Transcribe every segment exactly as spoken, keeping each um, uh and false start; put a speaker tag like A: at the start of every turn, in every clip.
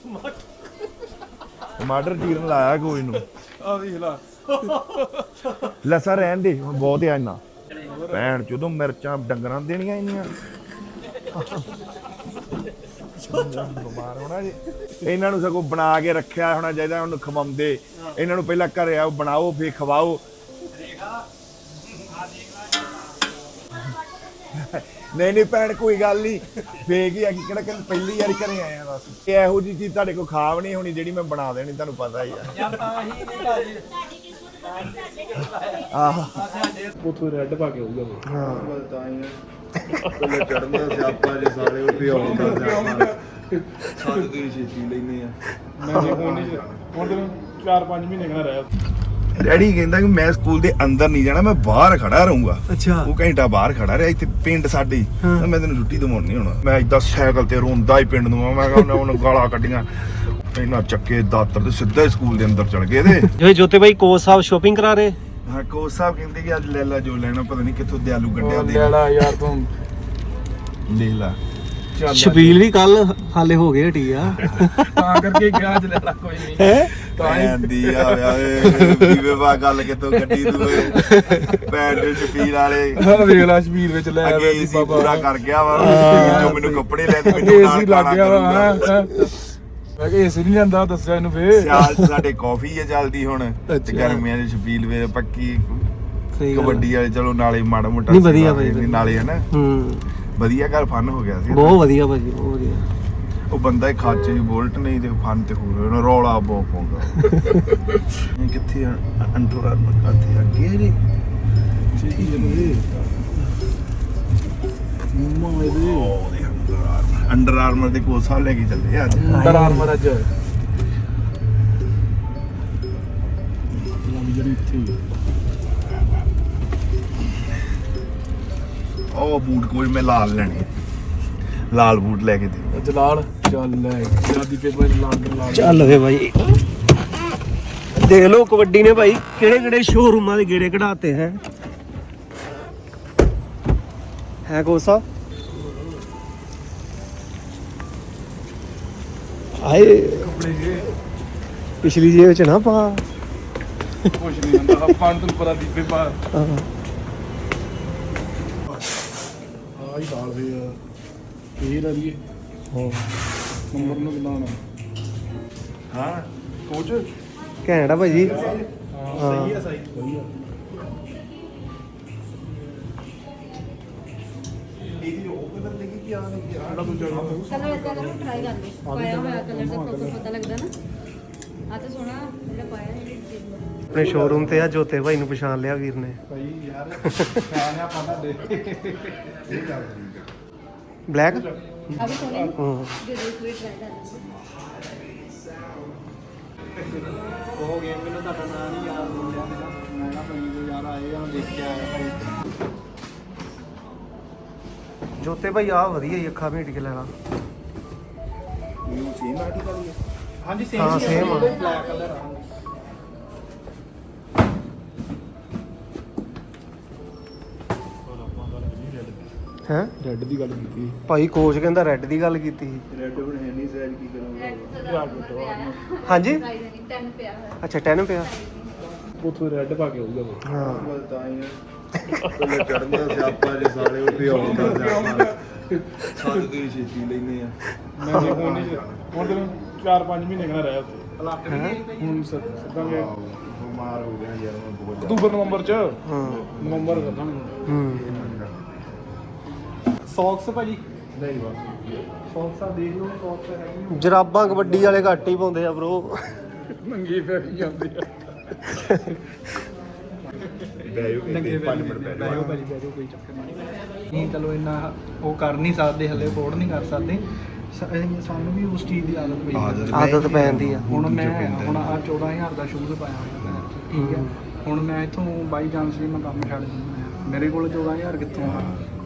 A: ਟਮਾਟਰ ਚੀਰਨ ਲਾਇਆ ਕੋਈ ਨੂੰ
B: ਆ ਵੇਖ ਲਾ
A: ਲਸਾ ਰਹਿਣ ਦੇ ਹੁਣ ਬਹੁਤ ਆ ਇੰਨਾ ਭੈਣ ਚੋਦੋਂ ਮਿਰਚਾਂ ਡੰਗਰਾਂ ਨੂੰ ਦੇਣੀਆਂ ਇੰਨੀਆਂ ਬਿਮਾਰ ਹੋਣਾ ਜੀ ਇਹਨਾਂ ਨੂੰ ਸਗੋਂ ਬਣਾ ਕੇ ਰੱਖਿਆ ਹੋਣਾ ਚਾਹੀਦਾ ਉਹਨੂੰ ਖਵਾਉਂਦੇ ਇਹਨਾਂ ਨੂੰ ਪਹਿਲਾਂ ਘਰੇ ਆਓ ਬਣਾਓ ਫੇਰ ਖਵਾਓ ਨਹੀਂ ਨਹੀਂ ਭੈਣ ਕੋਈ ਗੱਲ ਨਹੀਂ ਫੇਕ ਹੀ ਆ ਕਿ ਕਿਹੜਾ ਕਿ ਪਹਿਲੀ ਵਾਰੀ ਘਰੇ ਆਏ ਆ ਬਸ ਇਹ ਇਹੋ ਜਿਹੀ ਚੀਜ਼ ਤੁਹਾਡੇ ਕੋਲ ਖਾਵ ਨਹੀਂ ਹੋਣੀ ਜਿਹੜੀ ਮੈਂ ਬਣਾ ਦੇਣੀ ਤੁਹਾਨੂੰ ਪਤਾ ਹੀ ਆ ਆਹ
B: ਉਥੋਂ ਰੈੱਡ ਪਾ ਕੇ ਆਊਗਾ
A: ਹਾਂ
C: ਤਾਂ ਹੀ ਪਹਿਲੇ ਚੜ੍ਹਦਾ ਸਿਆਪਾ ਜੇ ਸਾਰੇ ਉਹ ਪਿਆਉਂਦਾ ਸਿਆਪਾ ਸਾਡੇ ਤੋਂ ਹੀ ਛੇਤੀ ਲੈਨੇ ਆ
B: ਮੈਂ ਹੁਣ ਨਹੀਂ ਹੁਣ ਤੈਨੂੰ ਚਾਰ ਪੰਜ ਮਹੀਨੇ ਕਹਿਣਾ ਰਹਿ
A: ਡੈਡੀ ਕਹਿੰਦਾ ਕਿ ਮੈਂ ਸਕੂਲ ਦੇ ਅੰਦਰ ਨਹੀਂ ਜਾਣਾ ਮੈਂ ਬਾਹਰ ਖੜਾ ਰਹੂੰਗਾ
D: ਅੱਛਾ
A: ਉਹ ਘੰਟਾ ਬਾਹਰ ਖੜਾ ਰਿਹਾ ਇੱਥੇ ਪਿੰਡ ਸਾਡੇ ਤਾਂ ਮੈਂ ਤੈਨੂੰ ਛੁੱਟੀ ਦਵਾਉਣ ਨਹੀਂ ਹੋਣਾ ਮੈਂ ਏਦਾਂ ਸਾਈਕਲ ਤੇ ਰੋਂਦਾ ਹੀ ਪਿੰਡ ਨੂੰ ਮੈਂ ਕਿਹਾ ਉਹਨੇ ਗਾਲਾਂ ਕੱਢੀਆਂ ਇਹਨਾਂ ਚੱਕੇ ਦਾਤਰ ਤੇ ਸਿੱਧਾ ਹੀ ਸਕੂਲ ਦੇ ਅੰਦਰ ਚੜ ਗਏ ਤੇ
D: ਜੋ ਜੋਤੇ ਭਾਈ ਕੋਚ ਸਾਹਿਬ ਸ਼ੋਪਿੰਗ ਕਰਾ ਰਹੇ
A: ਹਾਂ ਕੋਚ ਸਾਹਿਬ ਕਹਿੰਦੇ ਕਿ ਅੱਜ ਲੈ ਲਾ ਜੋ ਲੈਣਾ ਪਤਾ ਨਹੀਂ ਕਿੱਥੋਂ ਦਿਆਲੂ ਗੱਡਿਆ ਦੇ
B: ਲੈ ਲਾ ਯਾਰ ਤੂੰ
A: ਲੈ ਲਾ
D: ਛਬੀਲ ਵੀ ਕੱਲ ਹਾਲੇ ਹੋ ਗਏ ਹਟੀ ਆ
B: ਤਾਂ ਕਰਕੇ ਗਿਆ ਅੱਜ ਲੈ ਲਾ ਕੋਈ ਨਹੀਂ
D: ਹੈ
A: ਪੈਂਦੀ ਆ ਵੇ ਵੀਵੇ ਵਾ ਗੱਲ ਕਿਤੋਂ ਗੱਡੀ ਤੂੰ ਪੈਂਡ ਛਪੀਲ ਵਾਲੇ
B: ਹਾਂ ਵੇਖ ਲਾ ਸ਼ਬੀਰ ਵਿੱਚ ਲੈ
A: ਅੱਗੇ
B: ਆਵੇ
A: ਏਸੀ ਪੂਰਾ ਕਰ ਗਿਆ ਵਾ ਜੋ ਮੈਨੂੰ ਕੱਪੜੇ ਲੈ ਦੇ ਮੈਨੂੰ
B: ਏਸੀ ਲੱਗ ਗਿਆ ਵਾ ਹਾਂ ਮੈਂ ਕਿਹਾ ਏਸੀ ਨਹੀਂ ਲੈਂਦਾ ਦੱਸਿਆ ਇਹਨੂੰ ਫੇਰ
A: ਸਿਆਲ ਚ ਸਾਡੇ ਕਾਫੀ ਹੈ ਚੱਲਦੀ ਹੁਣ ਤੇ ਗਰਮੀਆਂ ਦੇ ਛਪੀਲ ਵੇ ਪੱਕੀ ਕਬੱਡੀ ਵਾਲੇ ਚਲੋ ਨਾਲੇ ਮਾੜਾ ਮੋਟਾ
D: ਨਹੀਂ ਵਧੀਆ ਬਾਈ
A: ਨਾਲੇ ਹਨਾ
D: ਹੂੰ
A: ਵਧੀਆ ਘਰ ਫਨ ਹੋ ਗਿਆ ਸੀ
D: ਬਹੁਤ ਵਧੀਆ ਭਾਜੀ ਬਹੁਤ ਵਧੀਆ
A: ਉਹ ਬੰਦਾ ਹੀ ਖਾਚੇ ਚ ਬੋਲਟ ਨਹੀਂ ਤੇ ਫਨ ਤੇ ਹੋਰ ਉਹਨੂੰ ਰੌਲਾ ਬਹੁਤ ਪਾਉਂਦਾ ਇਹ ਕਿੱਥੇ ਅੰਡਰ ਆਰਮਰ ਕਾਤੇ ਅੱਗੇ ਨੇ
B: ਮੰਮਾ ਇਹਦੇ
A: ਅੰਡਰ ਆਰਮਰ ਦੇ ਕੋਲ ਸਾਹ ਲੈ ਕੇ ਚੱਲੇ ਯਾਰ
B: ਅੰਡਰ ਆਰਮਰ ਅੱਜ ਜਿਹੜੀ ਇੱਥੇ
A: ਉਹ ਬੂਟ ਕੋਈ ਮੈਂ ਲਾਲ ਲੈਣੇ ਲਾਲ ਬੂਟ ਲੈ ਕੇ ਦੇ
B: ਜਲਾਲ ਚੱਲ ਲੈ ਜਿਆਦੀ ਪੇਪਰ ਲਾਲ ਕੇ ਲਾਲ
D: ਚੱਲ ਵੇ ਭਾਈ ਦੇਖ ਲਓ ਕਬੱਡੀ ਨੇ ਭਾਈ ਕਿਹੜੇ ਕਿਹੜੇ ਸ਼ੋਰੂਮਾਂ ਦੇ ਗੇੜੇ ਕਢਾਤੇ ਹੈ ਹੈ ਕੋਚ ਸਾਹਿਬ ਆਏ
B: ਕੱਪੜੇ ਜੇ
D: ਪਿਛਲੀ ਜੇਬ ਚ ਨਾ ਪਾ
B: ਕੁਛ ਨਹੀਂ ਹੁੰਦਾ ਆਪਾਂ ਨੂੰ ਤੈਨੂੰ ਪਤਾ ਦੀਪੇ ਪਾ
D: ਹਾਂ
B: ਆਹੀ ਸਾਲ ਵੇ ਆ ਫੇਰ ਅਲੀਏ ਹਾਂ ਨੰਬਰ ਨੂੰ ਕਿੰਨਾ ਆਣਾ
A: ਹਾਂ
B: ਕੋਚ
D: ਘੈਂਟ ਆ ਭਾਜੀ
B: ਹਾਂ ਸਹੀ ਆ ਸਹੀ ਵਧੀਆ
A: ਇਹਦੀ ਉਹ ਕਲਰ ਦੇਖੀ ਕੀ ਆ
B: ਜਿਹੜਾ ਤੂੰ ਜਾਣਾ
E: ਕਲਰ ਇਦਾਂ ਕਰੋ ਟਰਾਈ ਕਰ ਲਓ ਪਾਇਆ ਹੋਇਆ ਕਲਰ ਦਾ ਪ੍ਰੋਪਰ ਪਤਾ ਲੱਗਦਾ ਨਾ ਆ ਤਾਂ ਸੋਹਣਾ ਜਿਹੜਾ ਪਾਇਆ ਹੈ
D: ਆਪਣੇ ਸ਼ੋਰੂਮ ਤੇ ਆ ਜੋਤੇ ਭਾਈ ਨੂੰ ਪਛਾਣ ਲਿਆ ਵੀਰ ਨੇ
B: ਭਾਈ ਯਾਰ ਫੈਨ ਆ ਪਾਦਾ ਦੇ ਇਹ ਗੱਲ
D: ਬਲੈਕ
E: ਆ ਵੀ ਸੋਹਣੇ
D: ਹਾਂ
E: ਦੇ ਦੋ ਕੋਈ ਟਰਾਈ ਕਰ ਲਓ
B: ਉਹ ਗੇਮ ਮੈਨੂੰ ਤੁਹਾਡਾ ਨਾਂ ਨਹੀਂ ਯਾਦ ਹੋ ਰਿਹਾ ਮੇਰਾ ਮੈਂ ਨਾ ਭਾਈ ਯਾਰ ਆਏ ਆ ਦੇਖ ਕੇ ਆਇਆ ਭਾਈ
D: ਜੋਤੇ ਭਾਈ ਆ ਵਧੀਆ ਹੀ ਅੱਖਾਂ ਮੀਟ ਕੇ ਲੈਣਾ
A: ਇਹ ਸੇਮ ਆਰਟੀਕਲ ਹੀ ਹੈ
B: ਹਾਂਜੀ ਸੇਮ
D: ਹਾਂ, same ਆ।
B: ਬਲੈਕ ਕਲਰ ਆ
D: ਹੈ
B: ਰੈੱਡ ਦੀ ਗੱਲ ਕੀਤੀ
D: ਭਾਈ ਕੋਚ ਕਹਿੰਦਾ ਰੈੱਡ ਦੀ ਗੱਲ ਕੀਤੀ ਸੀ
C: ਰੈੱਡ ਬਣ ਹੈ ਨਹੀਂ ਸਾਈਜ਼ ਕੀ ਕਰਾਂਗਾ
D: ਹਾਂਜੀ
E: ਪ੍ਰਾਈਸ ਨਹੀਂ ਦਸ ਪਿਆ ਹੋਇਆ
D: ਅੱਛਾ ਦਸ ਪਿਆ
B: ਉਥੋਂ ਰੈੱਡ ਪਾ ਕੇ ਆਊਗਾ
D: ਹਾਂ
C: ਤਾਂ ਹੀ ਪਹਿਲੇ ਚੜ੍ਹਦਾ ਸਿਆਪਾ ਜੇ ਸਾਰੇ ਉਹ ਪਿਆਉਂਦਾ ਸਿਆਪਾ ਸਾਡੇ ਤੋਂ ਹੀ ਛੇਤੀ ਲੈਨੇ ਆ
B: ਮੈਂ ਹੁਣ ਨਹੀਂ ਹੁਣ ਤੈਨੂੰ ਚਾਰ ਪੰਜ ਮਹੀਨੇ ਕਹਿਣਾ ਰਹਿ ਉੱਥੇ ਹੁਣ ਸਿੱਧਾ ਮੈਂ
A: ਬਿਮਾਰ ਹੋ ਗਿਆ ਯਾਰ ਮੈਂ ਬਹੁਤ
B: ਅਕਤੂਬਰ ਨਵੰਬਰ ਚ
D: ਹਾਂ
B: ਨਵੰਬਰ ਕਰਦਾਂਗੇ
D: ਹੂੰ
B: ਸੌਕਸ ਭਾਜੀ ਨਹੀਂ ਬਸ ਸੌਕਸ ਆ ਦੇਖ ਲਓ ਸੌਕਸ ਹੈਗੀ
D: ਜਰਾਬਾਂ ਕਬੱਡੀ ਵਾਲੇ ਘੱਟ ਹੀ ਪਾਉਂਦੇ ਆ ਬ్రో
B: ਨੰਗੀ ਫੇਰ ਜਾਂਦੀ ਆ
A: ਬੈਯੋ ਕਹਿੰਦੇ ਪੰਜ ਮਿੰਟ ਬੈਠ
B: ਬੈਠੋ ਭਾਜੀ ਬੈਠੋ ਕੋਈ ਚੱਕਰ ਨਹੀਂ ਨਹੀਂ ਚਲੋ ਇੰਨਾ ਉਹ ਕਰ ਨਹੀਂ ਸਕਦੇ ਹਲੇ ਅਫੋਰਡ ਨਹੀਂ ਕਰ ਸਕਦੇ ਸ- ਇਹ ਸਾਨੂੰ ਵੀ ਉਸ ਚੀਜ਼ ਦੀ ਆਦਤ ਪਈ
A: ਆਦਤ
B: ਹੈ।
D: ਆਦਤ ਪੈ ਜਾਂਦੀ ਆ
B: ਹੁਣ ਮੈਂ ਹੁਣ ਆ ਚੌਦਾਂ ਹਜ਼ਾਰ ਦਾ ਸ਼ੂਜ਼ ਪਾਇਆ ਹੋਇਆ ਮੈਂ ਠੀਕ ਹੈ ਹੁਣ ਮੈਂ ਇੱਥੋਂ ਬਾਈ ਚਾਂਸ ਵੀ ਮੈਂ ਕੰਮ ਛੱਡ ਦਿੰਦਾ ਮੇਰੇ ਕੋਲ ਚੌਦਾਂ ਹਜ਼ਾਰ ਕਿੱਥੋਂ ਆ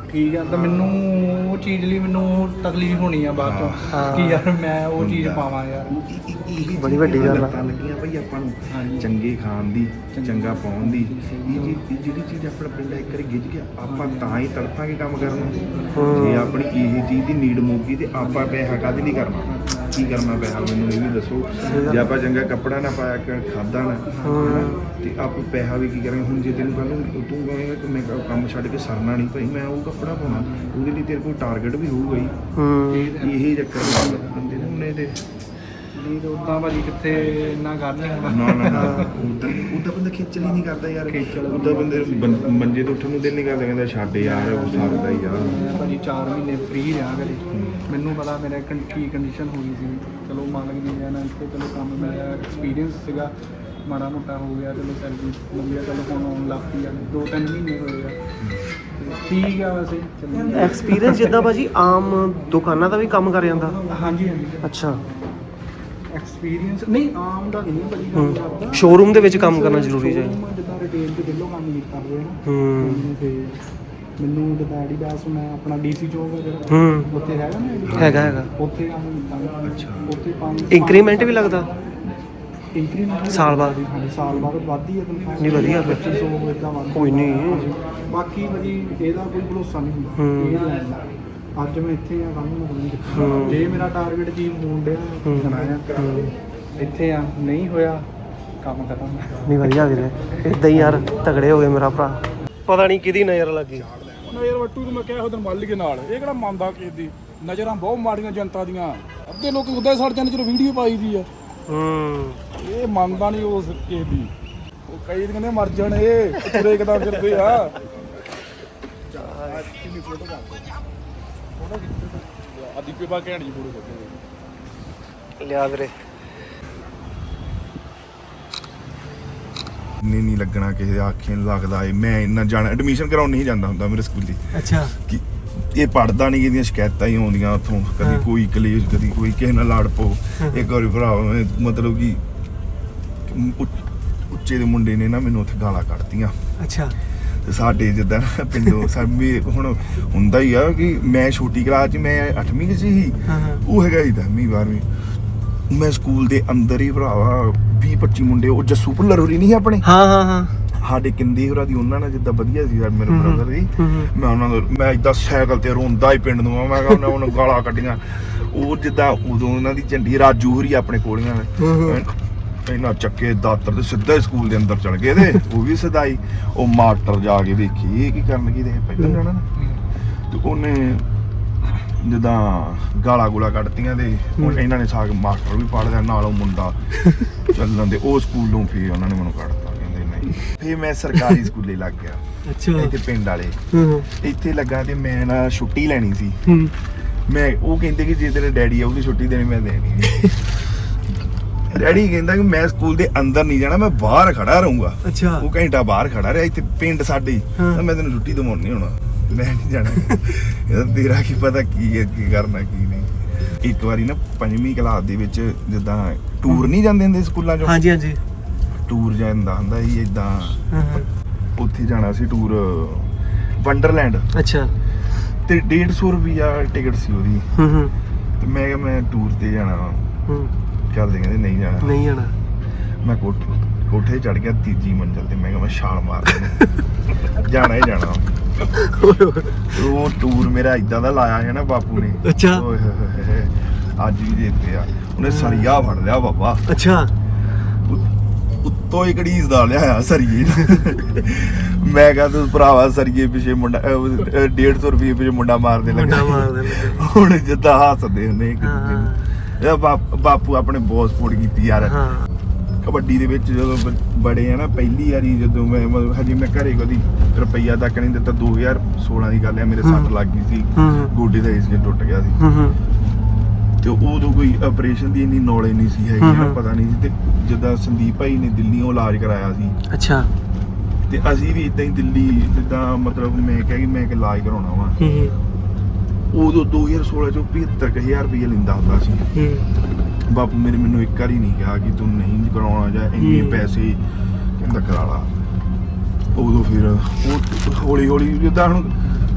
B: ਠੀਕ ਆ ਤਾਂ ਮੈਨੂੰ ਉਹ ਚੀਜ਼ ਲਈ ਮੈਨੂੰ ਤਕਲੀਫ ਹੋਣੀ ਆ ਬਾਅਦ ਚੋਂ
D: ਹਾਂ।
B: ਕਿ ਯਾਰ ਮੈਂ ਉਹ ਚੀਜ਼ ਪਾਵਾਂ ਯਾਰ।
D: ਬੜੀ ਵੱਡੀ ਗੱਲ ਆ।
A: ਲੱਤਾਂ ਲੱਗੀਆਂ ਭਾਈ ਆਪਾਂ ਨੂੰ ਚੰਗੇ ਖਾਣ ਦੀ, ਚੰਗਾ ਪਾਉਣ ਦੀ। ਇਹ ਜੀ ਇਹ ਜਿਹੜੀ ਚੀਜ਼ ਆਪਣਾ ਪਿੰਡ ਇੱਕ ਵਾਰੀ ਗਿੱਝ ਗਿਆ ਆਪਾਂ ਤਾਂ ਹੀ ਤੜਪਾਂਗੇ ਕੰਮ ਕਰਨ। ਜੇ ਆਪਣੀ ਇਹ ਚੀਜ਼ ਦੀ ਨੀਡ ਮੁੱਕੀ ਤੇ ਆਪਾਂ ਪੈਸਾ ਕਾਹਦੇ ਲਈ ਕਰਨਾ? ਕੀ ਕਰਨਾ ਪੈਸਾ ਮੈਨੂੰ ਇਹ ਵੀ ਦੱਸੋ। ਜੇ ਆਪਾਂ ਚੰਗਾ ਕੱਪੜਾ ਨਾ ਪਾਇਆ ਖਾਦਾ ਨਾ ਤੇ ਆਪਾਂ ਪੈਸਾ ਵੀ ਕੀ ਕਰਾਂਗੇ? ਹੁਣ ਜੇ ਤੈਨੂੰ ਕੱਲ ਨੂੰ ਤੂੰ ਕਹੇਂਗਾ ਕਿ ਮੈਂ ਕੰਮ ਛੱਡ ਕੇ ਸਰਨਾ ਨਹੀਂ ਭਾਈ, ਮੈਂ ਉਹ ਕੱਪੜਾ ਪਾਉਣਾ, ਉਹਦੇ ਲਈ ਤੇਰੇ ਕੋਲ ਟਾਰਗੇਟ ਵੀ ਹੋਊਗਾ ਹੀ। ਇਹ ਚੱਕਰ ਬੰਦੇ ਨੇ ਉਹਨੇ ਤੇ
B: ਨਹੀਂ ਤਾਂ ਉਦਾਂ ਭਾਜੀ ਕਿੱਥੇ ਇੰਨਾ ਕਰ ਨਹੀਂ ਹੋਣਾ।
A: ਨਾ ਨਾ ਨਾ ਉਦਾਂ ਉਦਾਂ ਬੰਦਾ ਖੇਚਲ ਹੀ ਨਹੀਂ ਕਰਦਾ ਯਾਰ। ਉਦਾਂ ਬੰਦੇ ਬੰ- ਮੰਜੇ ਤੋਂ ਉੱਠਣ ਨੂੰ ਦਿਲ ਨਹੀਂ ਕਰਦਾ, ਕਹਿੰਦਾ ਛੱਡ ਯਾਰ ਉਹ ਸਕਦਾ ਹੀ ਯਾਰ।
B: ਮੈਂ ਭਾਜੀ ਚਾਰ ਮਹੀਨੇ ਫ੍ਰੀ ਰਿਹਾ ਘਰੇ। ਮੈਨੂੰ ਪਤਾ ਮੇਰੇ ਕੰ- ਕੀ ਕੰਡੀਸ਼ਨ ਹੋ ਗਈ ਸੀ। ਚਲੋ ਮਾਲਕ ਦੀ ਦਇਆ ਨਾਲ ਇੱਥੇ ਚਲੋ ਕੰਮ ਮਿਲਿਆ, ਐਕਸਪੀਰੀਅੰਸ ਸੀਗਾ, ਮਾੜਾ ਮੋਟਾ ਹੋ ਗਿਆ, ਚਲੋ ਸੈਲਰੀ ਮਿਲ ਗਿਆ, ਚਲੋ ਹੁਣ ਆਉਣ ਲੱਗ ਪਈ ਆ। ਦੋ ਤਿੰਨ ਮਹੀਨੇ ਹੋਏ ਆ ਤੇ ਠੀਕ ਆ ਵੈਸੇ ਚੱਲੀ।
D: ਐਕਸਪੀਰੀਅੰਸ ਜਿੱਦਾਂ ਭਾਜੀ ਆਮ ਦੁਕਾਨਾਂ ਦਾ ਵੀ ਕੰਮ ਕਰ ਜਾਂਦਾ।
B: ਹਾਂਜੀ ਹਾਂਜੀ
D: ਅੱਛਾ।
B: ਐਕਸਪੀਰੀਅੰਸ ਨਹੀਂ ਆਮ ਦਾ ਨਹੀਂ ਭਾਜੀ ਕੰਮ ਕਰਦਾ।
D: ਸ਼ੋਰੂਮ ਦੇ ਵਿੱਚ ਕੰਮ ਕਰਨਾ ਜ਼ਰੂਰੀ ਹੈ।
B: Showroom ਜਿੱਦਾਂ ਰਿਟੇਲ ਤੇ ਦਿੱਲੋਂ ਕੰਮ ਕੀਤਾ ਹੋਇਆ ਨਾ।
D: ਹੂੰ
B: ਤੇ ਮੈਨੂੰ ਜਿੱਦਾਂ ਐਡੀਡਾਸ ਮੈਂ ਆਪਣਾ ਡੀਸੀ ਚੌਕ ਹੈ ਜਿਹੜਾ
D: ਹੂੰ
B: ਉੱਥੇ ਹੈਗਾ ਨਾ Adidas,
D: ਹੈਗਾ ਹੈਗਾ।
B: ਉੱਥੇ ਕੰਮ ਕੀਤਾ। ਅੱਛਾ ਉੱਥੇ ਪੰਜ
D: ਇੰਕਰੀਮੈਂਟ ਵੀ ਲੱਗਦਾ
B: ਇੰਕਰੀਮੈਂਟ
D: ਸਾਲ ਬਾਅਦ?
B: ਹਾਂਜੀ ਸਾਲ ਬਾਅਦ ਵੱਧਦੀ ਹੈ ਤਨਖਾਹ।
D: ਨਹੀਂ ਵਧੀਆ ਫਿਰ।
B: ਪੱਚੀ ਸੌ ਇਦਾਂ ਵੱਧ
D: ਕੋਈ ਨਹੀਂ।
B: ਬਾਕੀ ਭਾਜੀ ਇਹਦਾ ਕੋਈ ਭਰੋਸਾ ਨਹੀਂ ਹੁੰਦਾ
D: ਹੂੰ।
B: ਇਹ ਲੈਣ ਦਾ। ਅੱਜ ਮੈਂ ਇੱਥੇ ਆ, ਕੱਲ੍ਹ ਨੂੰ ਮੈਂ ਨਹੀਂ
D: ਹੂੰ।
B: ਕਿੱਥੇ। ਜੇ ਮੇਰਾ ਟਾਰਗੇਟ ਚੀਜ਼ ਹੋਣ ਡਿਆ
D: ਹੂੰ।
B: ਬਣਾਇਆ ਇੱਥੇ ਆ, ਨਹੀਂ ਹੋਇਆ ਕੰਮ ਖਤਮ।
D: ਨਹੀਂ ਵਧੀਆ ਵੀਰੇ, ਇਦਾਂ ਹੀ ਯਾਰ ਤਗੜੇ ਹੋ ਗਏ ਮੇਰਾ ਭਰਾ। ਪਤਾ ਨਹੀਂ ਕਿਹਦੀ ਨਜ਼ਰ ਲੱਗੀ।
F: ਨਜ਼ਰ ਵੱਟੂ ਨੂੰ ਮੈਂ ਕਿਹਾ ਉਹਦੇ ਮਾਲਿਕ ਨਾਲ ਇਹ ਕਿਹੜਾ ਮੰਨਦਾ ਕਿਸੇ ਦੀ ਨਜ਼ਰਾਂ ਬਹੁਤ ਮਾੜੀਆਂ ਜਨਤਾ ਦੀਆਂ। ਅੱਧੇ ਲੋਕ ਉਦਾਂ ਹੀ ਸੜ ਜਾਂਦੇ ਜਦੋਂ ਵੀਡੀਓ ਪਾਈ ਦੀ ਆ।
D: ਹੂੰ
F: ਇਹ ਮੰਨਦਾ ਨਹੀਂ ਉਸ ਕਿਸੇ ਦੀ। ਉਹ ਕਈ ਕਹਿੰਦੇ ਮਰ ਜਾਣ ਇਹ ਤੁਰੇ ਕਿਦਾਂ ਫਿਰਦੇ ਆ। ਕਿੰਨੀ ਫੋਟੋ ਕਰ ਫੋਟੋ ਆ ਦੀਪੇ ਬਾ ਘੈਂਟ ਜੀ ਫੋਟੋ ਕਰਦੇ
D: ਲਿਆ ਵੀਰੇ।
A: ਨਹੀਂ ਨਹੀਂ ਲੱਗਣਾ ਕਿਸੇ ਦੇ ਆਖੇ ਨਹੀਂ ਲੱਗਦਾ ਏ। ਮੈਂ ਇੰਨਾ ਜਾਣਾ ਐਡਮਿਸ਼ਨ ਕਰਾਉਣ ਨਹੀਂ ਜਾਂਦਾ ਹੁੰਦਾ ਮੇਰੇ ਸਕੂਲ ਦੀ।
D: ਅੱਛਾ।
A: ਕਿ ਇਹ ਪੜਦਾ ਨਹੀਂ, ਇਹਦੀਆਂ ਸ਼ਿਕਾਇਤਾਂ ਹੀ ਆਉਂਦੀਆਂ ਉੱਥੋਂ। ਕਦੀ ਕੋਈ ਕਲੇਸ਼, ਕਦੀ ਕੋਈ ਕਿਸੇ ਨਾਲ ਲੜ ਪੋ। ਇੱਕ ਵਾਰੀ ਭਰਾ ਮਤਲਬ ਕਿ ਉੱਚ- ਉੱਚੇ ਦੇ ਮੁੰਡੇ ਨੇ ਨਾ ਮੈਨੂੰ ਉੱਥੇ ਗਾਲਾਂ ਕੱਢਤੀਆਂ।
D: ਅੱਛਾ।
A: ਤੇ ਸਾਡੇ ਜਿੱਦਾਂ ਪਿੰਡੋਂ ਸਾਡੇ ਹੁਣ ਹੁੰਦਾ ਹੀ ਆ ਕਿ ਮੈਂ ਛੋਟੀ ਕਲਾਸ 'ਚ ਮੈਂ ਅੱਠਵੀਂ 'ਚ ਸੀ, ਉਹ ਹੈਗਾ ਸੀ ਦਸਵੀਂ ਬਾਰਵੀਂ। ਮੈਂ ਸਕੂਲ ਦੇ ਅੰਦਰ ਹੀ ਭਰਾਵਾ ਵੀਹ ਪੱਚੀ ਮੁੰਡੇ, ਉਹ ਜੱਸੂ ਭੁੱਲਰ ਹੋਰੀ ਨਹੀਂ ਆਪਣੇ
D: ਹਾਂ ਹਾਂ ਹਾਂ
A: ਸਾਡੇ ਕਿੰਦੀ ਹੋਰਾਂ ਦੀ, ਉਹਨਾਂ ਨਾਲ ਜਿੱਦਾਂ ਵਧੀਆ ਸੀ ਸਾਡੇ ਮੇਰੇ ਬ੍ਰਦਰ ਦੀ। ਮੈਂ ਉਹਨਾਂ ਨੂੰ ਮੈਂ ਇਦਾਂ ਸਾਈਕਲ ਤੇ ਰੋਂਦਾ ਹੀ ਪਿੰਡ ਨੂੰ। ਮੈਂ ਕਿਹਾ ਉਹਨਾਂ ਉਹਨੂੰ ਗਾਲਾਂ ਕੱਢੀਆਂ। ਉਹ ਜਿੱਦਾਂ ਉਦੋਂ ਉਹਨਾਂ ਦੀ ਝੰਡੀ ਰਾਜੂ ਹੋਰੀ ਆਪਣੇ ਕੋਲੀਆਂ ਇਹਨਾਂ ਚੱਕੇ ਦਾਤਰ ਤੇ ਸਿੱਧਾ ਹੀ ਸਕੂਲ ਦੇ ਅੰਦਰ ਚਲ ਗਏ ਤੇ ਉਹ ਵੀ ਸਦਾਈ। ਉਹ ਮਾਸਟਰ ਜਾ ਕੇ ਵੇਖੀ ਇਹ ਕੀ ਕਰਨ ਕੀ ਦੇ ਪਹਿਲਾਂ ਜਾਣਾ ਨਾ। ਤੇ ਉਹਨੇ ਜਿੱਦਾਂ ਗਾਲਾਂ ਗੂਲਾ ਕੱਢਤੀਆਂ ਤੇ ਹੁਣ ਇਹਨਾਂ ਨੇ ਸਾਗ ਮਾਸਟਰ ਵੀ ਪੜ੍ਹ ਲਿਆ ਨਾਲ ਉਹ ਮੁੰਡਾ ਚੱਲਣ ਦੇ। ਉਹ ਸਕੂਲੋਂ ਫੇਰ ਉਹਨਾਂ ਨੇ ਮੈਨੂੰ ਕੱਢਤਾ, ਕਹਿੰਦੇ ਨਹੀਂ। ਫੇਰ ਮੈਂ ਸਰਕਾਰੀ ਸਕੂਲੇ ਲੱਗ ਗਿਆ।
D: ਅੱਛਾ।
A: ਇੱਥੇ ਪਿੰਡ ਵਾਲੇ ਇੱਥੇ ਲੱਗਾ ਤੇ ਮੈਂ ਨਾ ਛੁੱਟੀ ਲੈਣੀ ਸੀ।
D: ਹੂੰ।
A: ਮੈਂ ਉਹ ਕਹਿੰਦੇ ਕਿ ਜੇ ਤੇਰੇ ਡੈਡੀ ਆਉਗੀ ਛੁੱਟੀ ਦੇਣੀ, ਮੈਂ ਦੇਣੀ ਨਹੀਂ। ਡੈਡੀ ਕਹਿੰਦਾ ਕਿ ਮੈਂ ਸਕੂਲ ਦੇ ਅੰਦਰ ਨਹੀਂ ਜਾਣਾ, ਮੈਂ ਬਾਹਰ ਖੜਾ ਰਹੂੰਗਾ।
D: ਅੱਛਾ।
A: ਉਹ ਘੰਟਾ ਬਾਹਰ ਖੜਾ ਰਿਹਾ ਇੱਥੇ ਪਿੰਡ ਸਾਡੇ ਹੀ। ਤਾਂ ਮੈਂ ਤੈਨੂੰ ਛੁੱਟੀ ਦਵਾਉਣ ਨਹੀਂ ਹੋਣਾ, ਮੈਂ ਨਹੀਂ ਜਾਣਾ। ਇਹਦਾ ਤੇਰਾ ਕੀ ਪਤਾ ਕੀ ਹੈ, ਕੀ ਕਰਨਾ ਕੀ ਨਹੀਂ। ਇੱਕ ਵਾਰੀ ਨਾ ਪੰਜਵੀਂ ਕਲਾਸ ਦੇ ਵਿੱਚ ਜਿੱਦਾਂ ਟੂਰ ਨਹੀਂ ਜਾਂਦੇ ਹੁੰਦੇ ਸਕੂਲਾਂ 'ਚੋਂ।
D: ਹਾਂਜੀ ਹਾਂਜੀ।
A: ਟੂਰ ਜਾਂਦਾ ਹੁੰਦਾ ਸੀ ਇਦਾਂ।
D: ਹਾਂ ਹਾਂ।
A: ਉੱਥੇ ਜਾਣਾ ਸੀ ਟੂਰ ਵੰਡਰਲੈਂਡ
D: ਅੱਛਾ।
A: ਤੇ ਡੇਢ ਸੌ ਰੁਪਈਆ ਟਿਕਟ ਸੀ ਉਹਦੀ।
D: ਹੂੰ ਹੂੰ
A: ਤੇ ਮੈਂ ਕਿਹਾ ਮੈਂ ਟੂਰ ਤੇ ਜਾਣਾ।
D: ਹੂੰ।
A: ਘਰਦੇ ਕਹਿੰਦੇ ਨਹੀਂ ਜਾਣਾ।
D: ਨਹੀਂ ਜਾਣਾ।
A: ਮੈਂ ਕੋਠ ਕੋਠੇ ਚੜ ਗਿਆ ਤੀਜੀ ਮੰਜ਼ਲ ਤੇ। ਮੈਂ ਕਿਹਾ ਮੈਂ ਛਾਲ ਮਾਰ ਦੇਣੀ, ਜਾਣਾ ਹੀ ਜਾਣਾ। ਉਹ ਟੂਰ ਮੇਰਾ ਇਦਾਂ ਦਾ ਲਾਇਆ ਹੈ ਨਾ ਬਾਪੂ ਨੇ।
D: ਅੱਛਾ।
A: ਓਏ ਹੋਏ ਹੋਏ ਹੋਏ, ਅੱਜ ਵੀ ਦੇਤੇ ਆ ਉਹਨੇ। ਸਰੀਆ ਫੜ ਲਿਆ ਬਾਬਾ।
D: ਅੱਛਾ।
A: ਉੱਤੋਂ ਹੀ ਘੜੀਸਦਾ ਲਿਆ ਸਰੀਏ। ਮੈਂ ਕਿਹਾ ਤੂੰ ਭਰਾਵਾ ਸਰੀਏ ਪਿੱਛੇ ਮੁੰਡਾ ਡੇਢ ਸੌ ਰੁਪਏ ਪਿੱਛੇ ਮੁੰਡਾ ਮਾਰਦੇ ਲੱਗਾ।
D: ਮੁੰਡਾ ਮਾਰਦੇ ਲੱਗਾ।
A: ਹੁਣ ਜਿੱਦਾਂ ਹੱਸਦੇ ਹੁੰਦੇ ਇੱਕ ਦੂਜੇ ਨੂੰ। ਇਹ ਬਾਪ- ਬਾਪੂ ਆਪਣੇ ਬਹੁਤ ਸਪੋਰਟ ਕੀਤੀ ਯਾਰ।
D: ਹਾਂ।
A: ਕਬੱਡੀ ਦੇ ਵਿੱਚ ਜਦੋਂ ਬ- ਬੜੇ ਆ ਨਾ ਪਹਿਲੀ ਵਾਰੀ ਜਦੋਂ ਮੈਂ ਮਤਲਬ ਹਜੇ ਮੈਂ ਘਰੇ ਕਦੀ ਰੁਪਈਆ ਤੱਕ ਨਹੀਂ ਦਿੱਤਾ। ਦੋ ਹਜ਼ਾਰ ਸੋਲਾਂ ਦੀ ਗੱਲ ਆ, ਮੇਰੇ ਸੱਟ ਲੱਗ ਗਈ ਸੀ,
D: ਹੂੰ।
A: ਗੋਡੇ ਦਾ ਏਸੀਅਨ ਟੁੱਟ ਗਿਆ ਸੀ।
D: ਹੂੰ ਹੂੰ।
A: ਤੇ ਉਦੋਂ ਕੋਈ ਆਪਰੇਸ਼ਨ ਦੀ ਇੰਨੀ ਨੌਲੇਜ ਨਹੀਂ ਸੀ ਹੈਗੀ ਨਾ, ਪਤਾ ਨਹੀਂ ਸੀ। ਤੇ ਜਿੱਦਾਂ ਸੰਦੀਪ ਭਾਈ ਨੇ ਦਿੱਲੀੋਂ ਇਲਾਜ ਕਰਾਇਆ ਸੀ
D: ਅੱਛਾ।
A: ਤੇ ਅਸੀਂ ਵੀ ਇਦਾਂ ਹੀ ਦਿੱਲੀ ਜਿੱਦਾਂ ਮਤਲਬ ਮੈਂ ਕਿਹਾ ਕਿ ਮੈਂ ਕਿ ਇਲਾਜ ਕਰਾਉਣਾ ਵਾ।
D: ਹੂੰ ਹੂੰ।
A: ਉਦੋਂ ਦੋ ਹਜ਼ਾਰ ਸੋਲਾਂ ਚੋਂ ਪਝੱਤਰ ਕੁ ਹਜ਼ਾਰ ਰੁਪਈਆ ਲੈਂਦਾ ਹੁੰਦਾ ਸੀ।
D: ਹੂੰ।
A: ਬਾਪੂ ਮੇਰੇ ਮੈਨੂੰ ਇੱਕ ਵਾਰੀ ਨਹੀਂ ਕਿਹਾ ਕਿ ਤੂੰ ਨਹੀਂ ਕਰਾਉਣਾ ਜਾਂ ਇੰਨੇ
D: ਹੂੰ।
A: ਪੈਸੇ, ਕਹਿੰਦਾ ਕਰਾ ਲਾ। ਉਦੋਂ ਫਿਰ ਉਹ ਹੌਲੀ ਹੌਲੀ ਜਿੱਦਾਂ ਹੁਣ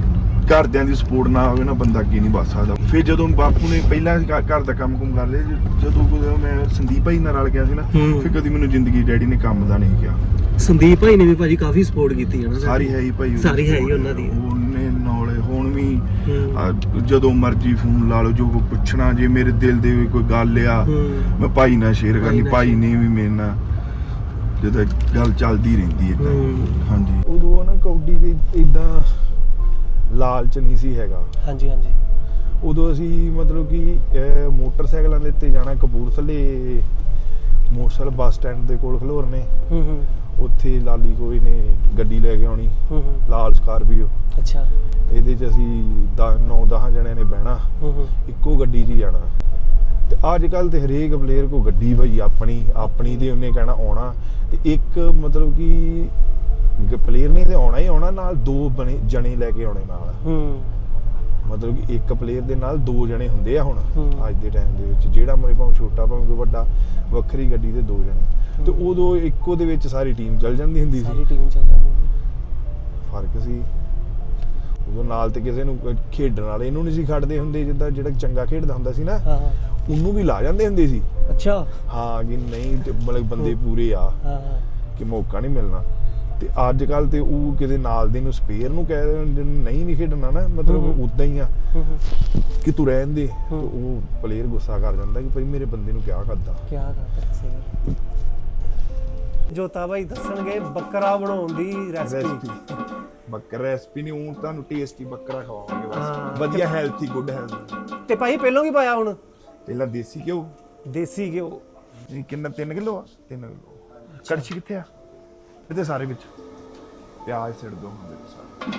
A: ਘਰਦਿਆਂ ਦੀ ਸਪੋਰਟ ਨਾ ਹੋਵੇ ਨਾ ਬੰਦਾ ਅੱਗੇ ਨਹੀਂ ਵੱਧ ਸਕਦਾ। ਫਿਰ ਜਦੋਂ ਬਾਪੂ ਨੇ ਪਹਿਲਾਂ ਘ- ਘਰ ਦਾ ਕੰਮ ਕੁਮ ਕਰ ਲਿਆ, ਜ- ਜਦੋਂ ਕਦੇ ਮੈਂ ਸੰਦੀਪ ਭਾਈ ਨਾਲ ਰਲ ਗਿਆ ਸੀ ਨਾ,
D: ਹੂੰ।
A: ਫਿਰ ਕਦੀ ਮੈਨੂੰ ਜ਼ਿੰਦਗੀ ਡੈਡੀ ਨੇ ਕੰਮ ਦਾ ਨਹੀਂ ਕਿਹਾ।
D: ਸੰਦੀਪ ਭਾਈ ਨੇ ਵੀ ਭਾਜੀ ਕਾਫੀ ਸਪੋਰਟ ਕੀਤੀ ਹੈ ਨਾ
A: ਸਾਰੀ ਹੈ ਹੀ ਭਾਈ ਉਹਦੀ
D: ਸਾਰੀ ਹੈ ਹੀ
A: support।
D: ਉਹਨਾਂ ਦੀ।
A: ਉਹਨੇ ਨਾਲੇ ਹੁਣ ਵੀ
D: ਹੂੰ।
A: ਆ, ਜਦੋਂ ਮਰਜ਼ੀ ਫੋਨ ਲਾ ਲਓ, ਜੋ ਕੋਈ ਪੁੱਛਣਾ, ਜੇ ਮੇਰੇ ਦਿਲ ਦੇ ਵੀ ਕੋਈ ਗੱਲ ਆ
D: ਹੂੰ।
A: ਮੈਂ ਭਾਈ ਨਾਲ ਸ਼ੇਅਰ
D: ਭਾਈ
A: ਕਰਨੀ,
D: ਨਾਲ
A: ਭਾਈ ਨੇ ਵੀ ਮੇਰੇ ਨਾਲ ਜਦੋਂ ਗੱਲ ਚੱਲਦੀ ਰਹਿੰਦੀ ਏਦਾਂ।
D: ਹੂੰ।
A: ਹਾਂਜੀ ਉਦੋਂ ਨਾ ਕੌਡੀ ਦੇ ਇਦਾਂ ਲਾਲਚ ਨਹੀਂ ਸੀ ਹੈਗਾ।
D: ਹਾਂਜੀ ਹਾਂਜੀ
A: ਉਦੋਂ ਅਸੀਂ ਮਤਲਬ ਕਿ ਅਹ, ਮੋਟਰਸਾਈਕਲਾਂ ਦੇ ਉੱਤੇ ਜਾਣਾ, ਕਪੂਰਥਲੇ ਮੋਟਰਸਾਈਕਲ ਬੱਸ ਸਟੈਂਡ ਦੇ ਕੋਲ ਖਲੋਰਨੇ,
D: ਹੂੰ ਹੂੰ
A: ਉੱਥੇ ਲਾਲੀ ਕੋਈ ਨੇ ਗੱਡੀ ਲੈ ਕੇ ਆਉਣੀ,
D: ਹੂੰ ਹੂੰ
A: ਲਾਲ ਸਕਾਰਪੀਓ।
D: ਅੱਛਾ
A: ਇਹਦੇ 'ਚ ਅਸੀਂ ਨੌ ਦਸ ਜਣਿਆਂ ਨੇ ਬਹਿਣਾ,
D: ਹੂੰ ਹੂੰ
A: ਇੱਕੋ ਗੱਡੀ 'ਚ ਹੀ ਜਾਣਾ। ਤੇ ਅੱਜ ਕੱਲ ਤੇ ਹਰੇਕ ਪਲੇਅਰ ਕੋ ਗੱਡੀ ਭਾਈ ਆਪਣੀ ਆਪਣੀ ਤੇ ਉਹਨੇ ਕਹਿਣਾ ਆਉਣਾ, ਤੇ ਇੱਕ ਮਤਲਬ ਕਿ ਪਲੇਅਰ ਨੇ ਤੇ ਆਉਣਾ ਹੀ ਆਉਣਾ, ਨਾਲ ਦੋ ਬਣੇ ਜਣੇ ਲੈ ਕੇ ਆਉਣੇ ਨਾਲ।
D: ਹੂੰ
A: ਮਤਲਬ ਕਿ ਇੱਕ ਪਲੇਅਰ ਦੇ ਨਾਲ ਦੋ ਜਣੇ ਹੁੰਦੇ ਆ ਹੁਣ
D: ਹੂੰ।
A: ਅੱਜ ਦੇ ਟਾਈਮ ਦੇ ਵਿੱਚ, ਜਿਹੜਾ ਮਰੇ ਭਾਵੇਂ ਛੋਟਾ ਭਾਵੇਂ ਕੋਈ ਵੱਡਾ, ਵੱਖਰੀ ਗੱਡੀ ਤੇ ਦੋ ਜਣੇ। ਤੇ ਉਦੋਂ ਇੱਕੋ ਦੇ ਵਿੱਚ ਸਾਰੀ ਟੀਮ ਚੱਲ ਜਾਂਦੀ ਹੁੰਦੀ
D: ਸਾਰੀ
A: ਸੀ।
D: ਟੀਮ ਚੱਲ ਜਾਂਦੀ
A: ਫਰਕ ਸੀ ਉਦੋਂ। ਨਾਲ ਤੇ ਕਿਸੇ ਨੂੰ ਖੇਡਣ ਵਾਲੇ ਇਹਨੂੰ ਨਹੀਂ ਸੀ ਖੜਦੇ ਹੁੰਦੇ, ਜਿੱਦਾਂ ਜਿਹੜਾ ਚੰਗਾ ਖੇਡਦਾ ਹੁੰਦਾ ਸੀ ਨਾ,
D: ਹਾਂ ਹਾਂ
A: ਉਹਨੂੰ ਵੀ ਲਾ ਜਾਂਦੇ ਹੁੰਦੇ ਸੀ।
D: ਅੱਛਾ
A: ਹਾਂ ਕਿ ਨਹੀਂ ਤੇ ਮਤਲਬ ਬੰਦੇ ਪੂਰੇ ਆ
D: ਹਾਂ ਹਾਂ
A: ਕਿ ਮੌਕਾ ਨਹੀਂ ਮਿਲਣਾ। ਤੇ ਅੱਜ ਕੱਲ ਤੇ ਉਹ ਕਿਤੇ ਨਾਲ ਦੇ ਨੂੰ ਸਪੇਅਰ ਨੂੰ ਕਹਿ ਦਿੰਦੇ, ਨਹੀਂ ਨਹੀਂ ਖੇਡਣਾ ਨਾ, ਮਤਲਬ ਉਦਾਂ ਹੀ ਆ
D: ਹੂੰ ਹੂੰ
A: ਕਿ ਤੂੰ ਰਹਿਣ ਦੇ। ਤੇ
D: ਹੂੰ।
A: ਉਹ ਪਲੇਅਰ ਗੁੱਸਾ ਕਰ ਜਾਂਦਾ ਕਿ ਭਾਈ ਮੇਰੇ ਬੰਦੇ ਨੂੰ ਕਿਆ ਕਰਦਾ।
D: ਕੀ ਕਰਦਾ ਸਹੀ। ਜੋਤਾ ਭਾਈ ਦੱਸਣਗੇ ਬੱਕਰਾ ਬਣਾਉਣ ਦੀ ਰੈਸਪੀ।
A: ਰੈਸਪੀ ਬੱਕਰਾ ਰੈਸਪੀ ਨਹੀਂ, ਉਹ ਤੁਹਾਨੂੰ ਟੇਸਟੀ ਬੱਕਰਾ ਖਵਾਵਾਂਗੇ
D: ਹਾਂ।
A: ਬਸ, ਵਧੀਆ ਹੈਲਥੀ ਗੁੱਡ ਹੈਲਥ।
D: ਤੇ ਭਾਈ ਪਹਿਲਾਂ ਕੀ ਪਾਇਆ ਹੁਣ?
A: ਪਹਿਲਾਂ ਦੇਸੀ ਘਿਓ।
D: ਦੇਸੀ ਘਿਓ।
A: ਇਹ ਕਿੰਨਾ ਤਿੰਨ ਕਿਲੋ ਆ? ਤਿੰਨ ਕਿਲੋ। ਕੜਛੀ ਕਿੱਥੇ ਆ? ਇਹਦੇ ਸਾਰੇ ਵਿੱਚ ਪਿਆਜ਼ ਸਿੱਟ ਦੋ ਹੁੰਦੇ ਸਾਰੇ।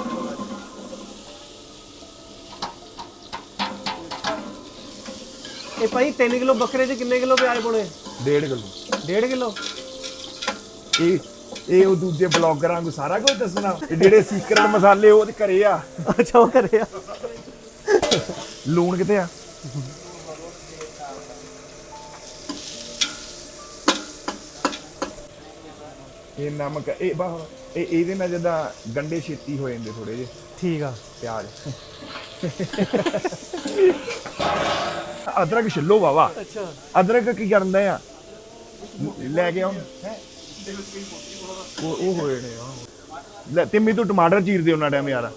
D: ਇਹ ਭਾਈ ਤਿੰਨ ਕਿਲੋ ਬੱਕਰੇ 'ਚ ਕਿੰਨੇ ਕਿਲੋ ਪਿਆਜ਼ ਪਾਉਣੇ?
A: ਡੇਢ ਕਿਲੋ।
D: ਡੇਢ ਕਿਲੋ।
A: ਇਹ ਇਹ ਉਹ ਦੂਜੇ ਬਲੌਗਰਾਂ ਨੂੰ ਸਾਰਾ ਕੁਝ ਦੱਸਣਾ, ਇਹ ਜਿਹੜੇ ਸੀਕ੍ਰੇਟ ਮਸਾਲੇ ਉਹ ਤੇ ਘਰੇ ਆ।
D: ਅੱਛਾ ਉਹ ਕਰਿਆ।
A: ਲੂਣ ਕਿੱਥੇ ਆ? ਇਹ ਨਮਕ, ਇਹ ਬਾ ਇਹ ਇਹਦੇ ਨਾਲ ਜਿੱਦਾਂ ਗੰਡੇ ਛੇਤੀ ਹੋ ਜਾਂਦੇ ਥੋੜੇ ਜਿਹੇ।
D: ਠੀਕ ਆ।
A: ਪਿਆਜ਼ ਅਦਰਕ ਛਿੱਲੋ ਵਾਵਾ।
D: ਅੱਛਾ
A: ਅਦਰਕ ਕੀ ਕਰਦਾ ਆ? ਲੈ ਕੇ ਆਉਂ ਉਹ ਉਹ ਹੋਏ ਨੇ ਆ। ਲੈ ਤਿੰਮੀ ਤੂੰ ਟਮਾਟਰ ਚੀਰ ਦੇ ਉਹਨਾਂ ਟਾਈਮ ਯਾਰ।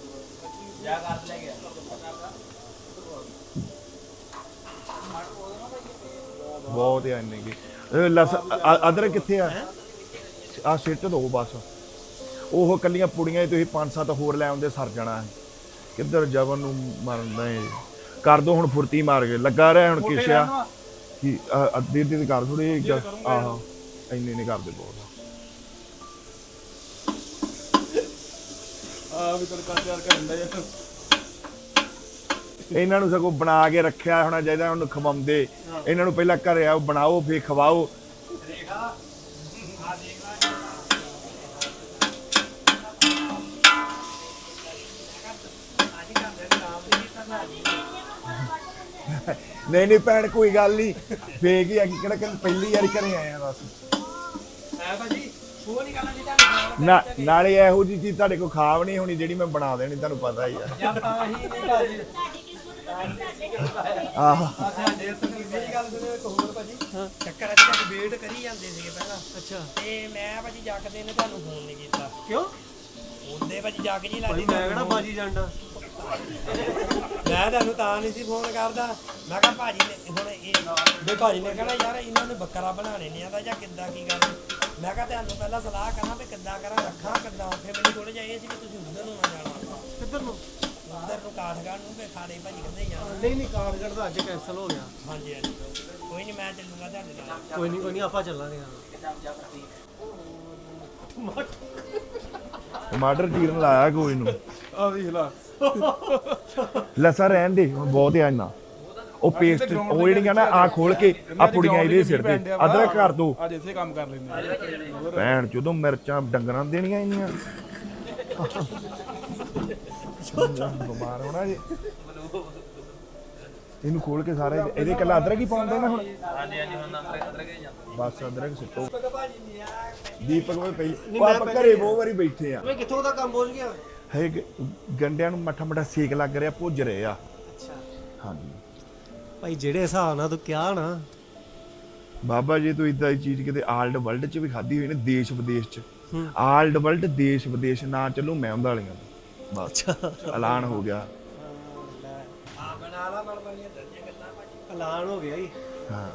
A: ਬਹੁਤ ਆ ਇੰਨੇ ਕੀ ਲਸ ਅਦਰਕ ਕਿੱਥੇ ਆ? ਆ ਸਿੱਟ ਦੋ ਬਸ। ਉਹ ਕੱਲੀਆਂ ਪੁੜੀਆਂ ਤੁਸੀਂ ਪੰਜ ਸੱਤ ਹੋਰ ਲੈ ਆਉਂਦੇ ਸਰ ਜਾਣਾ। ਕਿੱਧਰ ਜਵਨ ਨੂੰ ਮਰਦਾ ਏ। ਕਰ ਦੋ ਹੁਣ ਫੁਰਤੀ ਮਾਰ ਕੇ ਲੱਗਾ ਰਿਹਾ ਹੁਣ ਕਿਸ਼ਿਆ ਕਿ ਅੱਧੇ ਅੱਧੇ ਕਰ ਥੋੜੇ। ਆਹੋ ਇੰਨੇ ਨੇ ਕਰਦੇ ਬਹੁਤ।
F: ਆ ਵੀ ਤੜਕਾ ਤਿਆਰ ਕਰਨ ਦਾ ਯਾਰ।
A: ਇਹਨਾਂ ਨੂੰ ਸਗੋਂ ਬਣਾ ਕੇ ਰੱਖਿਆ ਹੋਣਾ ਚਾਹੀਦਾ, ਉਹਨੂੰ ਖਵਾਉਂਦੇ। ਇਹਨਾਂ ਨੂੰ ਪਹਿਲਾਂ ਘਰੇ ਆਓ ਬਣਾਓ ਫਿਰ ਖਵਾਓ। ਨਹੀਂ ਨਹੀਂ ਭੈਣ ਕੋਈ ਗੱਲ ਨਹੀਂ, ਫੇਕ ਹੀ ਆ ਕਿ ਕਿਹੜਾ ਕਿ ਪਹਿਲੀ ਵਾਰੀ ਘਰੇ ਆਏ ਆ ਬਸ। ਨਾ ਨਾਲੇ ਇਹੋ ਜਿਹੀ ਚੀਜ਼ ਤੁਹਾਡੇ ਕੋਲ ਖਾਵ ਨਹੀਂ ਹੋਣੀ ਜਿਹੜੀ ਮੈਂ ਬਣਾ ਦੇਣੀ, ਤੁਹਾਨੂੰ ਪਤਾ ਹੀ ਆ। ਆਹ
G: ਚੱਕਰ ਅੱਜ ਤੱਕ ਵੇਟ ਕਰੀ ਜਾਂਦੇ ਸੀਗੇ ਪਹਿਲਾਂ।
D: ਅੱਛਾ
G: ਤੇ ਮੈਂ ਭਾਜੀ ਜੱਕਦੇ ਨੇ ਤੁਹਾਨੂੰ ਫੋਨ ਨਹੀਂ ਕੀਤਾ।
D: ਕਿਉਂ?
G: ਉਹਦੇ ਭਾਜੀ ਜੱਕ ਜੀ
D: ਭਾਈ
G: ਲੱਗਦੀ
D: ਮੈਂ ਕਿਹੜਾ ਬਾਜੀ ਜਾਂਦਾ।
G: ਮੈਂ ਤੁਹਾਨੂੰ ਤਾਂ ਨਹੀਂ ਸੀ ਫੋਨ ਕਰਦਾ। ਮੈਂ ਕਿਹਾ ਭਾਜੀ ਨੇ ਹੁਣ ਇਹ ਵੀ ਭਾਜੀ ਨੇ ਕਹਿਣਾ ਯਾਰ ਇਹਨਾਂ ਨੂੰ ਬੱਕਰਾ ਬਣਾਣੇ ਨਹੀਂ ਆਉਂਦਾ ਜਾਂ ਕਿੱਦਾਂ ਕੀ ਗੱਲ। ਮੈਂ ਕਿਹਾ ਤੁਹਾਨੂੰ ਪਹਿਲਾਂ ਸਲਾਹ ਕਰਾਂ ਵੀ ਕਿੱਦਾਂ ਕਰਾਂ, ਰੱਖਾਂ ਕਿੱਦਾਂ। ਫਿਰ ਮੈਨੂੰ ਥੋੜੇ ਜਾਈਏ ਸੀ ਕਿ ਤੁਸੀਂ ਉਧਰ ਨੂੰ ਨਾ ਜਾਣਾ।
D: ਕਿੱਧਰ ਨੂੰ?
G: ਉਧਰ ਨੂੰ ਕਾਠਗੜ੍ਹ ਨੂੰ, ਵੀ ਖਾੜੇ ਭਾਜੀ ਕਹਿੰਦੇ ਜਾਣਾ।
D: ਨਹੀਂ ਨਹੀਂ ਕਾਰਗੜ ਦਾ ਅੱਜ ਕੈਂਸਲ ਹੋ ਗਿਆ।
G: ਹਾਂਜੀ ਹਾਂਜੀ ਕੋਈ ਨਹੀਂ, ਮੈਂ ਚੱਲੂਗਾ ਤੁਹਾਡੇ ਨਾਲ।
D: ਕੋਈ ਨਹੀਂ ਕੋਈ ਨਹੀਂ ਆਪਾਂ ਚੱਲਾਂਗੇ।
A: ਟਮਾਟਰ ਚੀਰਨ ਲਾਇਆ ਕੋਈ ਨੂੰ।
F: ਆ ਵੇਖ ਲਾ।
A: ਲਸਾ ਰਹਿਣ ਦੇ ਹੁਣ ਬਹੁਤ ਆ ਇੰਨਾ। ਉਹ ਪੇਸਟ ਉਹ ਜਿਹੜੀਆਂ ਨਾ ਆ ਖੋਲ ਕੇ ਆ ਪੁੜੀਆਂ ਇਹਦੇ ਸਿਰ ਤੇ ਅਦਰਕ ਕਰ ਦੋ।
F: ਅੱਜ ਇੱਥੇ ਕੰਮ ਕਰ ਲੈਂਦੇ।
A: ਭੈਣ ਜਦੋਂ ਮਿਰਚਾਂ ਡੰਗਰਾਂ ਨੂੰ ਦੇਣੀਆਂ ਇੰਨੀਆਂ। ਬਿਮਾਰ ਹੋਣਾ ਜੀ। ਇਹਨੂੰ ਖੋਲ ਕੇ ਸਾਰੇ ਇਹਦੇ ਕੱਲਾ ਅਦਰਕ ਹੀ ਪਾਉਂਦੇ ਨਾ ਹੁਣ। ਹਾਂਜੀ ਹਾਂਜੀ ਹੁਣ ਅਦਰਕ ਹੀ ਜਾਂਦਾ। ਬਸ ਅਦਰਕ ਸੁੱਟੋ। ਦੀਪਕ ਭਾਈ ਪਹਿਲੇ ਆਪਾਂ ਘਰੇ ਬਹੁਤ ਵਾਰੀ ਬੈਠੇ ਆ।
D: ਓਏ ਕਿੱਥੋਂ ਦਾ ਕੰਮ ਪਹੁੰਚ ਗਿਆ?
A: ਹੈ ਗੰਡਿਆਂ ਨੂੰ ਮੱਠਾ ਮੱਠਾ ਸੇਕ ਲੱਗ ਰਿਹਾ, ਭੁੱਜ ਰਹੇ ਆ।
D: ਅੱਛਾ
A: ਹਾਂਜੀ
D: ਭਾਈ ਜਿਹੜੇ ਹਿਸਾਬ ਨਾਲ ਤੂੰ ਕਿਹਾ ਨਾ
A: ਬਾਬਾ ਜੀ, ਤੂੰ ਇਦਾਂ ਦੀ ਚੀਜ਼ ਕਿਤੇ ਆਲਡ ਵਰਲਡ 'ਚ ਵੀ ਖਾਧੀ ਹੋਈ ਨੇ, ਦੇਸ਼ ਵਿਦੇਸ਼ 'ਚ। ਆਲਡ ਵਰਲਡ ਦੇਸ਼ ਵਿਦੇਸ਼ ਨਾ ਚੱਲੂ ਮੈਂ ਉਹਨਾਂ ਵਾਲੀਆਂ ਦਾ ਬਸ ਐਲਾਨ ਹੋ ਗਿਆ।
G: ਆ ਬਣਾ ਲਾ ਮਨ ਬਣੀਆਂ ਦਰਜੇ ਗੱਲਾਂ ਭਾਜੀ।
D: ਐਲਾਨ ਹੋ ਗਿਆ ਜੀ।
A: ਹਾਂ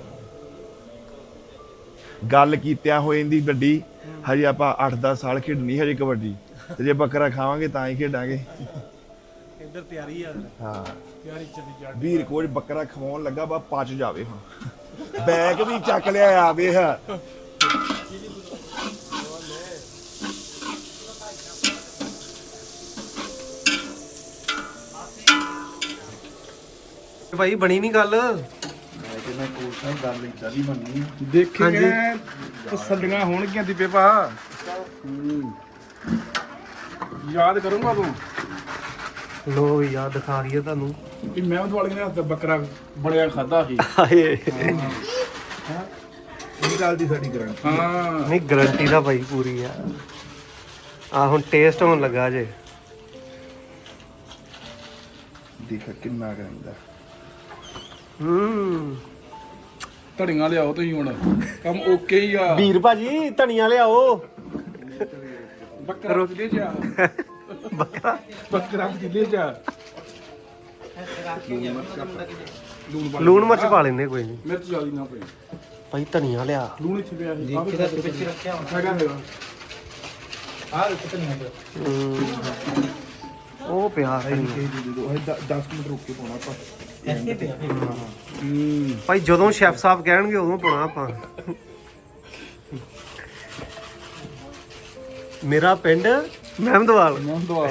A: ਗੱਲ ਕੀਤਿਆਂ ਹੋ ਜਾਂਦੀ ਵੱਡੀ। ਹਜੇ ਆਪਾਂ ਅੱਠ ਦਸ ਸਾਲ ਖੇਡਣੀ ਹਜੇ ਕਬੱਡੀ, ਤੇ ਜੇ ਬੱਕਰਾ ਖਾਵਾਂਗੇ ਤਾਂ ਹੀ ਖੇਡਾਂਗੇ।
D: ਇੱਧਰ ਤਿਆਰੀ ਆ
A: ਹਾਂ
F: ਯਾਰੀ ਚੱਲੀ ਜਾ
A: ਵੀਰ ਕੋਲ ਬੱਕਰਾ ਖਵਾਉਣ ਲੱਗਾ, ਬਾ ਪਚ ਜਾਵੇ ਹੁਣ। ਬੈਗ ਵੀ ਚੱਕ ਲਿਆ ਆ ਵੇਖ।
D: ਭਾਈ ਬਣੀ ਨਹੀਂ ਗੱਲ।
C: ਮੈਂ ਕਹਿੰਦਾ ਕੋਲ ਸਾਹਿਬ ਗੱਲ ਇਦਾਂ ਦੀ ਬਣਨੀ ਆ।
B: ਦੇਖੇ ਤਸੱਲੀਆਂ ਹੋਣਗੀਆਂ ਦੀਪੇ ਭਾ। ਯਾਦ ਕਰੂੰਗਾ ਤੂੰ
D: ਲੋ ਯਾਰ ਦਿਖਾ ਦਈਏ ਤੁਹਾਨੂੰ।
B: ਕਿ ਮੈਂ ਉਹ ਵਾਲੇ ਨੇ ਹੱਥ ਬੱਕਰਾ ਬੜਿਆ ਖਾਦਾ ਸੀ।
D: ਹਾਏ
A: ਇਹ ਗੱਲ ਦੀ ਸਾਡੀ ਗਰੰਟੀ।
B: ਹਾਂ
D: ਨਹੀਂ ਗਾਰੰਟੀ ਦਾ ਭਾਈ ਪੂਰੀ ਆ। ਆ ਹੁਣ ਟੇਸਟ ਹੋਣ ਲੱਗਾ ਜੇ।
A: ਦੇਖ ਕਿੰਨਾ ਕਰਾਂਦਾ।
D: ਹੂੰ
B: ਧੜੀਆਂ ਲਿਆਓ ਤੁਸੀਂ ਹੁਣ, ਕੰਮ ਓਕੇ ਹੀ ਆ।
D: ਵੀਰ ਭਾਜੀ ਧਨੀਆ ਲਿਆਓ।
B: ਬੱਕਰਾ ਜ਼ਿਲ੍ਹੇ ਚ ਆ।
D: ਬੱਕਰਾ
B: ਬੱਕਰਾ ਜ਼ਿਲ੍ਹੇ ਚ ਆ। ਲੂਣ ਪਾ
D: ਲੂਣ ਮਿਰਚ ਪਾ ਲੈਂਦੇ ਕੋਈ ਨਹੀਂ
B: ਮਿਰਚ ਜ਼ਿਆਦਾ ਨਾ ਪਈ।
D: ਭਾਈ ਧਨੀਆ ਲਿਆ।
B: ਲੂਣ ਇੱਥੇ ਪਿਆ ਸੀ। ਆਹ ਕਿਹਦਾ ਵਿੱਚ ਰੱਖਿਆ ਹੈਗਾ ਹੈਗਾ। ਆਹ ਕਿਤੇ ਨਹੀਂ ਹੈਗਾ।
D: ਹੂੰ ਉਹ ਪਿਆ ਧਨੀਆ।
A: ਦਸ ਮਿੰਟ ਰੁਕ ਕੇ ਪਾਉਣਾ ਆਪਾਂ।
B: ਹੂੰ
D: ਭਾਈ ਜਦੋਂ ਸ਼ੈਫ ਸਾਹਿਬ ਕਹਿਣਗੇ ਉਦੋਂ ਪਾਉਣਾ ਆਪਾਂ। ਮੇਰਾ ਪਿੰਡ ਮਹਿਮਦਵਾਲ।
B: ਮੈਂ ਦਵਾ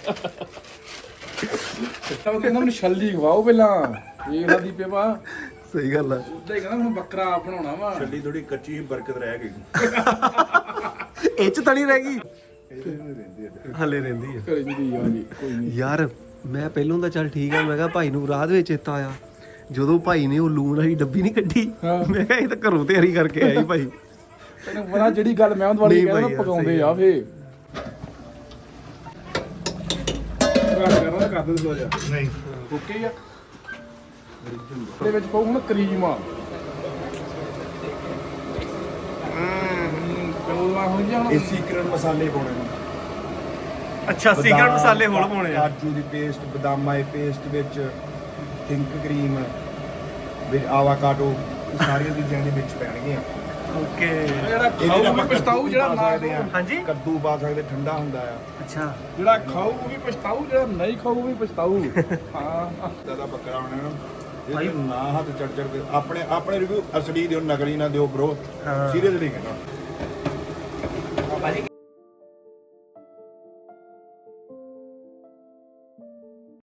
B: ਤਾਂ ਕਹਿੰਦਾ ਮੈਨੂੰ ਛੱਲੀ ਖਵਾਓ ਪਹਿਲਾਂ। ਇਹ ਲਾ ਦੀਪੇ ਭਾ।
D: ਸਹੀ ਗੱਲ ਆ।
B: ਉਦਾਂ ਹੀ ਕਹਿੰਦਾ ਮੈਨੂੰ ਬੱਕਰਾ ਬਣਾਉਣਾ ਵਾ।
C: ਛੱਲੀ ਥੋੜੀ ਕੱਚੀ ਬਰਕਤ ਰਹਿ ਗਈ।
D: ਇਹ ਚ ਤਣੀ ਰਹਿ ਗਈ ਹਲੇ ਰਹਿੰਦੀ ਆ।
B: ਘਰੇ ਜੀ ਆ ਜੀ ਕੋਈ ਨਹੀਂ।
D: ਯਾਰ ਮੈਂ ਪਹਿਲੋਂ ਤਾਂ ਚੱਲ ਠੀਕ ਆ, ਮੈਂ ਕਿਹਾ ਭਾਈ ਨੂੰ ਰਾਹ ਦੇ ਵਿੱਚ ਚੇਤਾ ਆਇਆ ਜਦੋਂ ਭਾਈ ਨੇ ਉਹ ਲੂਣ ਵਾਲੀ ਡੱਬੀ ਨਹੀਂ ਕੱਢੀ।
B: ਹਾਂ। ਮੈਂ
D: ਕਿਹਾ ਇਹ ਤਾਂ ਘਰੋਂ ਤਿਆਰੀ ਕਰਕੇ ਆਇਆ ਹੀ ਭਾਈ।
B: ਤੈਨੂੰ ਪਤਾ ਜਿਹੜੀ ਗੱਲ ਮੈਂ ਵਾਲੀ
D: ਨਹੀਂ
B: ਕਹਿੰਦਾ
D: ਭਾਈ
B: ਨਾ
D: ਯਾਰ,
B: ਪਕਾਉਂਦੇ
D: ਸਹੀ
B: ਆ ਫੇ ਗੱਲ ਕਰਨਾ ਕਰ ਦੇ ਥੋੜਾ ਜਿਹਾ।
A: ਨਹੀਂ
B: ਓਕੇ ਹੀ ਆ। ਇਹਦੇ ਵਿੱਚ ਪਾਉ ਹੁਣ ਕਰੀਮ ਆ। ਕਲੋਲਾ ਹੁਣ ਜਾਂ
A: ਇਹ ਸੀਕ੍ਰੇਟ ਮਸਾਲੇ ਪਾਉਣੇ ਨੇ।
D: ਅੱਛਾ ਸੀਕਰਟ ਮਸਾਲੇ ਹੋਰ ਪਾਉਣੇ ਆ।
A: ਕਾਜੂ ਦੀ ਪੇਸਟ, ਬਦਾਮਾਂ ਦੀ ਪੇਸਟ ਵਿੱਚ ਥਿੰਕ ਕਰੀਮ ਵਿੱਚ ਆਵਾਕਾਡੋ, ਸਾਰੀਆਂ ਚੀਜ਼ਾਂ ਦੇ ਵਿੱਚ ਪੈਣਗੀਆਂ।
D: ਓਕੇ
B: ਜਿਹੜਾ ਖਾਊ ਵੀ ਪਛਤਾਊ, ਜਿਹੜਾ ਨਾ
A: ਸਕਦੇ ਆ।
D: ਹਾਂਜੀ
A: ਕੱਦੂ ਪਾ ਸਕਦੇ, ਠੰਡਾ ਹੁੰਦਾ ਆ।
D: ਅੱਛਾ
B: ਜਿਹੜਾ ਖਾਊ ਵੀ ਪਛਤਾਊ, ਜਿਹੜਾ ਨਹੀਂ ਖਾਊ ਵੀ ਪਛਤਾਊ। ਹਾਂ
A: ਦਾਦਾ ਬੱਕਰਾ ਹੋਣਾ ਨਾ ਭਾਈ, ਨਾ ਹੱਥ ਚੜ ਚੜ ਕੇ ਆਪਣੇ ਆਪਣੇ ਰਿਵਿਊ ਅਸਲੀ ਦਿਓ, ਨਕਲੀ ਨਾ ਦਿਓ ਬ్రో। ਸੀਰੀਅਸਲੀ ਕਹਿਣਾ।